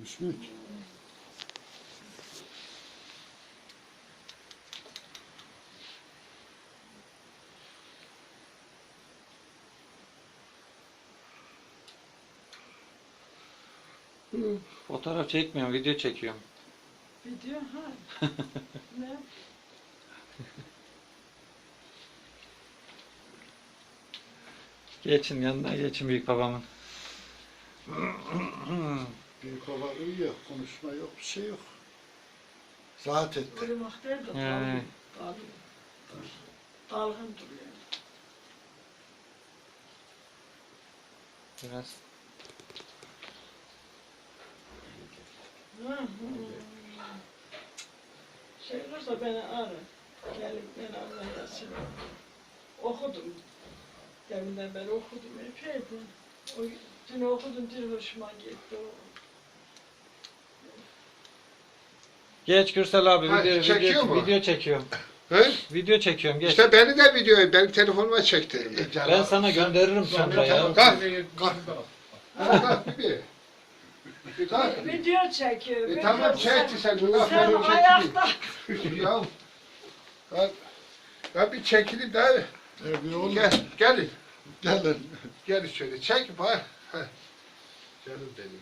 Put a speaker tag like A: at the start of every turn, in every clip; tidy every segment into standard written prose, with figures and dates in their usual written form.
A: Üstünlük.
B: Fotoğraf çekmiyorum, video çekiyorum.
C: Video ha. Ne?
B: Geçin yanına geçin büyük babamın.
A: Büyük baba uyuyor. Konuşma yok, bir şey yok. Rahat etti.
C: Uyumak değil de dalgın. Dalgın duruyor.
B: Biraz
C: Şey olursa beni ara. Gelip beni anlayasın. Okudum. Deminden beri okudum epeydi. O, dün okudum, dün hoşuma gitti o.
B: geç Gürsel abi,
D: Ha, çekiyor mu?
B: video çekiyorum.
D: He?
B: Video çekiyorum, geç.
D: İşte beni de videoyu benim telefonuma çekti.
B: Ben sana gönderirim sonra ya.
D: Kalk. Kalk bir. Bir kalk.
C: Video çekiyor.
D: Tamam çekti sen. Bunu
C: Sen
D: aferin
C: ayakta.
D: çekti. Ya. Kalk. Ya bir çekilip de
A: Bir oğlum.
D: gelin.
A: Gelin.
D: Gelin şöyle çekip ha. Canım benim.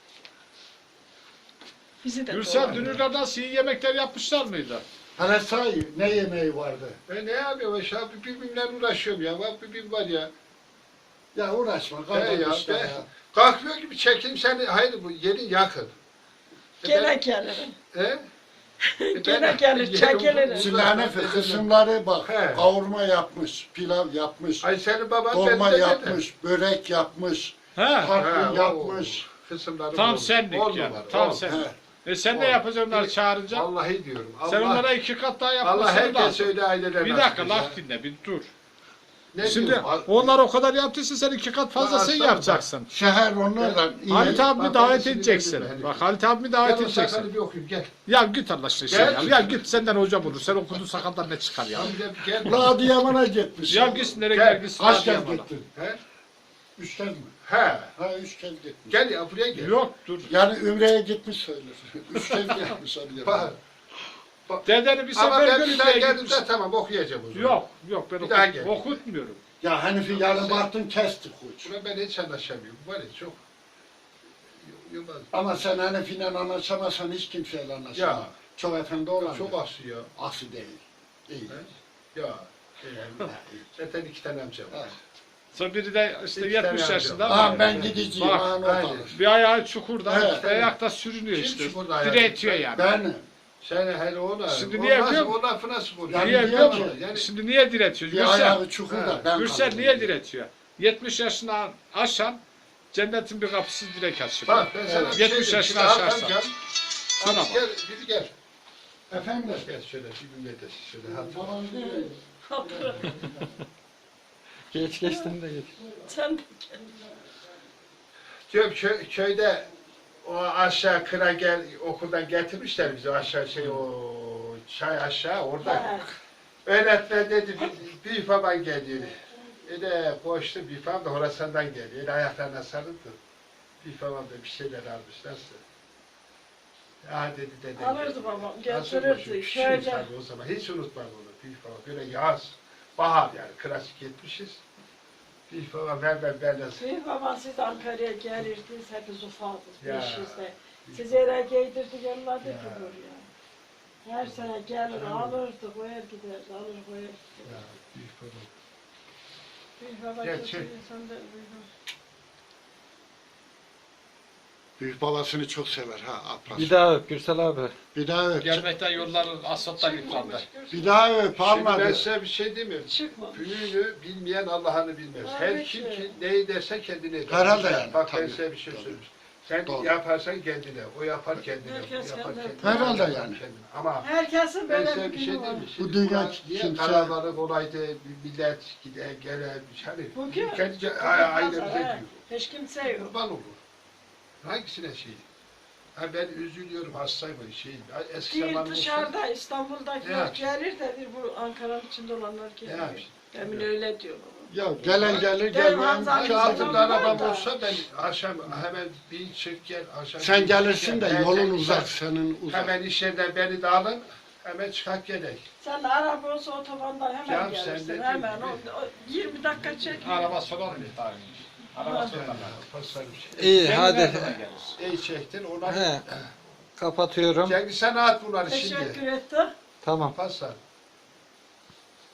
C: Bizi de
E: Gürsel dünürler nasıl iyi yemekler yapmışlar mıydı?
A: Hele say ne yemeği vardı?
D: Ne yapıyorum ya? Birbirimle uğraşıyorum ya. Bak birbim var ya.
A: Ya uğraşma.
D: He
A: Kalk
D: ya.
A: işte ya.
D: Kalkmıyor gibi çekeyim seni. Hayır bu yerin yakın.
C: Gene gelirim.
D: He?
C: Gene gelir, çekilir.
A: Sülhanefi kısımları bak.
D: He.
A: Kavurma yapmış, pilav yapmış,
D: Ay senin baban
A: dolma
D: bende de.
A: yapmış, börek yapmış,
E: He.
A: tatlı
D: o
A: yapmış.
D: Kısımları
E: Tam
D: oldu.
E: senlik
D: On
E: ya.
D: numara,
E: Tam
D: on.
E: sen.
A: He.
E: Sen ne
D: Oğlum,
E: yapacaksın onları çağırınca?
D: Vallahi diyorum.
E: Sen
D: Allah,
E: onlara 2 kat daha
D: Allah
E: yapmasını
D: herkes
E: lazım.
D: öyle aileler
E: Bir
D: nasip
E: dakika
D: etsin.
E: laf dinle bir dur.
D: Ne
E: Şimdi
D: diyorum?
E: onlar o kadar yaptıysa sen 2 kat fazlasını
D: aslanım,
E: yapacaksın.
A: Şehir onlarla iyi.
E: Halit abimi
D: Bak,
E: davet
D: ben
E: edeceksin.
D: sinirlendim,
E: Bak
D: hani.
E: Halit abimi
D: Gel
E: davet
D: o
E: edeceksin.
D: sakalı bir okuyayım gel.
E: Ya git Allah aşkına şey
D: Gel.
E: ya. Ya git senden hocam olur. Sen okudun sakaldan ne çıkar ya?
D: Tamam gel.
A: Ulan Adıyaman'a gitmiş.
E: Ya git nereye
D: Gel.
E: gel git.
A: Kaç
E: hadi
A: kez
E: yapma.
A: gittin?
D: He?
A: 3 kez mi?
D: He.
A: Ha 3 kez gitmiş.
D: Gel ya buraya gel.
E: Yok dur.
A: Yani Ümre'ye gitmiş söyler. 3 kez gitmiş Adıyaman'a.
D: Bak.
E: Dedeni bir
D: Ama
E: sefer
D: ben bir daha
E: görüp
D: geldim
E: gitmiş.
D: de tamam okuyacağım o zaman.
E: Yok ben
D: Bir daha gel.
E: okutmuyorum.
A: Ya Hanifi yarın baktın kesti koç.
D: Buna ben hiç anlaşamıyorum. Var ya çok. Yılmaz.
A: Ama sen Hanifi'yle anlaşamazsan hiç kimseyle anlaşamaz.
D: Ya.
A: Çok efendi olan.
D: Çok aksi ya.
A: Aksi değil. İyi.
D: He? Ya. Zaten 2 tane amcam var.
A: Evet.
E: Sonra biri de işte
D: İki tane
E: 70
D: amca
E: yaşında
D: var.
A: Aa
E: var.
A: ben gideceğim.
E: Bak,
A: Bak,
D: aynen.
E: Bir ayağı çukurda,
A: Evet.
E: ayakta sürünüyor
D: Kim
E: işte.
D: çukurda ayağı?
E: Diretiyor yani.
A: Ben
D: Sen hele ona.
E: Şimdi
D: o
E: niye
D: nasıl-
E: biliyor
D: O lafı nasıl konuşuyor?
A: Yani
E: Niye
A: diyor
E: biliyor
A: ki-
E: musun?
D: Yani
E: Şimdi niye diretiyor?
A: bir
E: Gürsel,
A: ayağı çukurda.
D: He.
A: Ben
E: Gürsel
A: kaldım.
E: niye diretiyor? 70 yaşını aşan cennetin bir kapısı direkt açıyor.
D: bak ben sana bir şey
E: 70
D: diyeyim.
E: yaşına
D: Şimdi
E: aşarsan.
D: amcam,
E: Şuna
D: abi
E: bak.
D: gel, biri gel.
A: Efendim?
D: Gel şöyle bir millet şöyle hatır.
A: Babam diyor.
B: Geç geçtin de geç.
C: Sen de
D: Diyorum köyde o aşağı kıra gel okuldan getirmişler bizi aşağı o çay aşağı orada.
C: gel.
D: Öğretmen dedi büyük baban geliyor. De koştu büyük babam da Horasan'dan geliyor. Ayaklarına sarıldı. Büyük babam da bir şeyler almış nasıl? Ya dedi dede.
C: Alırdı babam,
D: Nasıl
C: getirirdi.
D: koşuyor?
C: Şöyle.
D: Küçüğüm tabii o zaman. Hiç unutmam onu. Büyük baba böyle yaz. Bahar yani. Klasik gitmişiz. Büyük baba ver nasıl?
C: Büyük baba siz Ankara'ya gelirdiniz, hepiniz ufaldınız,
D: Ya.
C: 500'de. Siz yere giydirdi, yolladı
D: Ya.
C: ki buraya. Her sene gelir, alırdı, koyar giderdi, alır koyar giderdi.
D: Ya büyük baba.
C: Büyük baba
D: Gel,
C: kötü
D: çek.
C: insan da buyurun.
A: Büyük babasını çok sever ha Aplas.
B: Bir daha öp Gürsel abi.
A: Bir daha öp.
E: Gelmekten yolları asfalttan yıprandı.
A: Bir daha öp
D: Şimdi ben
A: almadı.
D: size bir şey demiyorum.
C: Çıkmamış.
D: Büyüğünü bilmeyen Allah'ını bilmez. Her
C: Tabii
D: kim
C: ki.
D: ki neyi derse kendine eder.
A: Herhalde yani,
D: Bak ben
A: tabii,
D: size bir şey
A: tabii.
D: söyleyeyim. Sen
A: Doğru.
D: yaparsan kendine, o yapar kendine,
C: Herkes
D: bu yapar
C: kendine.
D: kendine.
A: Herhalde
D: o yapar
A: yani.
D: kendine. Ama
C: Herkesin
D: ben
C: böyle
D: size
C: bir
D: bir şey
C: günü var.
D: diyeyim mi?
A: Bu
D: Şimdi
A: dünya
D: buna niye
A: kimse-
D: kararları olaydı, bir millet gide gele, hani
C: Bugün
D: kendi
C: bugün
D: ailemize
C: pazar, he.
D: diyor.
C: Hiç kimse yok.
D: Kurban olur. Hangisine şey? Ha ben üzülüyorum hastayım şey. Eski
C: Bir
D: zamanımızda.
C: dışarıda İstanbul'dakiler
D: Ne
C: gelir de bir bu Ankara'nın içinde olanlar
D: Ne
C: geliyor.
D: yapayım?
C: Emin öyle diyor baba.
A: Ya gelen gelir
C: Benim
A: gelmeyen
C: Hamza'nın
A: iki
D: Şu
A: altın.
D: altında
C: var
D: arabam
C: da.
D: olsa ben akşam hemen bin çık gel. Akşam
A: Sen
D: bin
A: gelirsin
D: çık
A: de
D: gel.
A: yolun
D: Ben
A: uzak, senin uzak.
D: Hemen iş yerinden beni de alın. Hemen çıkak gerek.
C: Sen de araba olsa otobandan hemen
D: Canım, sen
C: gelirsin.
D: dediğin
C: Hemen
D: gibi.
C: o 20 dakika çek.
E: Araba sorar mı daha önce? Araba sorar.
D: Pasar bir şey.
B: İyi
E: Kendi
B: hadi.
E: verdiğine gelir.
D: İyi çektin. Ona
B: He. Kapatıyorum.
D: Cengiz sen at bunları şimdi.
C: Teşekkür ettim.
B: Tamam.
D: Pasar.